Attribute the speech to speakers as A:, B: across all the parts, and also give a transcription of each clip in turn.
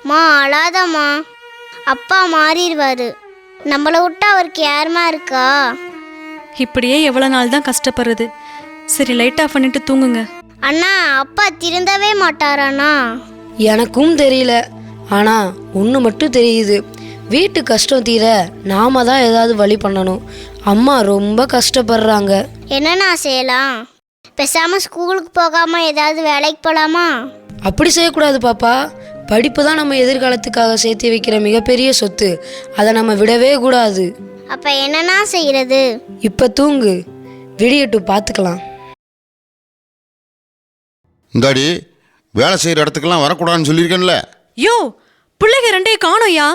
A: மா அழாதம்மா, அப்பா மாறிடுவாரு. நம்மளை விட்டா அவருக்கு யாருமா இருக்கா?
B: இப்படியே எவ்வளோ நாள் தான் கஷ்டப்படுறது. சரி, லைட் ஆஃப் பண்ணிட்டு தூங்குங்க.
A: அண்ணா, அப்பா திருந்தவே மாட்டாராண்ணா?
C: எனக்கும் தெரியல. ஆனால் ஒன்று மட்டும் தெரியுது, வீட்டு கஷ்டம் தீர நாம தான் ஏதாவது வழி பண்ணணும். அம்மா ரொம்ப கஷ்டப்படுறாங்க.
A: என்னண்ணா செய்யலாம்? பேசாமல் ஸ்கூலுக்கு போகாமல் ஏதாவது வேலைக்கு போகலாமா?
C: அப்படி செய்யக்கூடாது பாப்பா. படிப்பு தான் நம்ம எதிர்காலத்துக்காக சேர்த்து வைக்கிற மிகப்பெரிய சொத்து. அதை நம்ம விடவே கூடாது.
A: அப்போ என்னண்ணா செய்கிறது?
C: இப்போ தூங்கு, விடியட்டும் பார்த்துக்கலாம்.
D: இந்தாடி, வேலை செய்கிற இடத்துக்கெல்லாம் வரக்கூடாதுன்னு சொல்லியிருக்கேன்ல.
B: யோ, பிள்ளைங்க ரெண்டையும் காணோயா?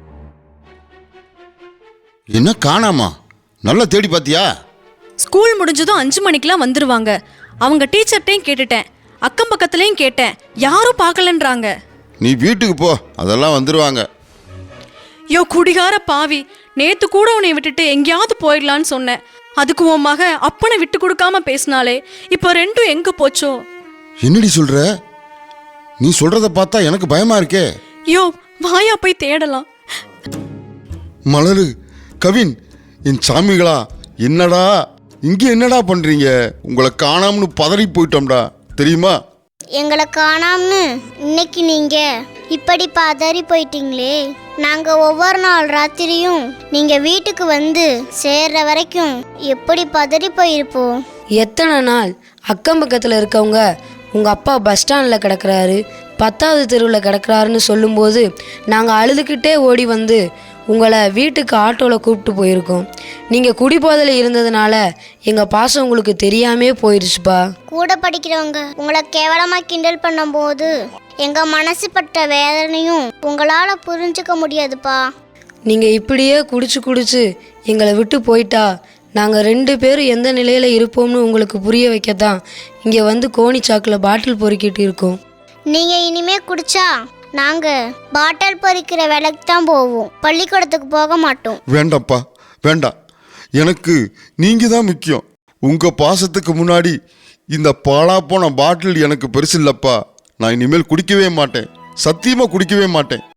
D: என்ன காணாமா? நல்லா தேடி பார்த்தியா?
B: ஸ்கூல் முடிஞ்சதும் 5 மணிக்கெலாம் வந்துடுவாங்க. அவங்க டீச்சர்ட்டையும் கேட்டுட்டேன், அக்கம் பக்கத்துலேயும் கேட்டேன், யாரும் பார்க்கலன்றாங்க.
D: நீ வீட்டுக்கு போ, அதெல்லாம் வந்துடுவாங்க.
B: யோ குடிகார பாவி, நேற்று கூட உன்னை விட்டுட்டு எங்கேயாவது போயிடலான்னு சொன்னேன். அதுக்கு உன் மக அப்பனை விட்டு கொடுக்காம பேசினாலே. இப்போ ரெண்டும் எங்கே போச்சோ?
D: என்னடி சொல்ற? நீ சொல்றத பார்த்தா எனக்கு பயமா இருக்கே.
B: யோ, வாயா போய் தேடலாம்.
D: மலரு, கவின், என் சாமிகளா, என்னடா இங்கே என்னடா பண்றீங்க? உங்களை காணாமனு பதறி போயிட்டோம்டா, தெரியுமா?
A: எங்களை காணாமனு இன்னைக்கு நீங்கள் இப்படி பதறி போயிட்டீங்களே. நாங்கள் ஒவ்வொரு நாள் ராத்திரியும் நீங்கள் வீட்டுக்கு வந்து சேர்ற வரைக்கும் எப்படி பதறி போயிருப்போம்.
C: எத்தனை நாள் அக்கம் பக்கத்தில் இருக்கவங்க உங்கள் அப்பா பஸ் ஸ்டாண்டில் கிடக்கிறாரு, 10வது தெருவில் கிடக்கிறாருன்னு சொல்லும்போது நாங்கள் அழுதுகிட்டே ஓடி வந்து உங்களை வீட்டுக்கு ஆட்டோவில் கூப்பிட்டு போயிருக்கோம். நீங்கள் குடிபோதையில் இருந்ததுனால எங்கள் பாசம் உங்களுக்கு தெரியாமே போயிடுச்சுப்பா.
A: கூட படிக்கிறவங்க உங்களை கேவலமாக கிண்டல் பண்ணும்போது எங்கள் மனசு பட்ட வேதனையும் உங்களால் புரிஞ்சுக்க முடியாதுப்பா.
C: நீங்கள் இப்படியே குடிச்சு எங்களை விட்டு போயிட்டா நாங்கள் 2 பேரும் எந்த நிலையில் இருப்போம்னு உங்களுக்கு புரிய வைக்கத்தான் இங்கே வந்து கோணிச்சாக்கில் பாட்டில் பொறுக்கிட்டு இருக்கோம்.
A: நீங்கள் இனிமே குடிச்சா நாங்கள் பாட்டில் பொறிக்கிற வேலைக்கு தான் போவோம், பள்ளிக்கூடத்துக்கு போக மாட்டோம்.
D: வேண்டாம்ப்பா, வேண்டாம். எனக்கு நீங்க தான் முக்கியம். உங்க பாசத்துக்கு முன்னாடி இந்த பாழா போன பாட்டில் எனக்கு பெருசு இல்லப்பா. நான் இனிமேல் குடிக்கவே மாட்டேன், சத்தியமா குடிக்கவே மாட்டேன்.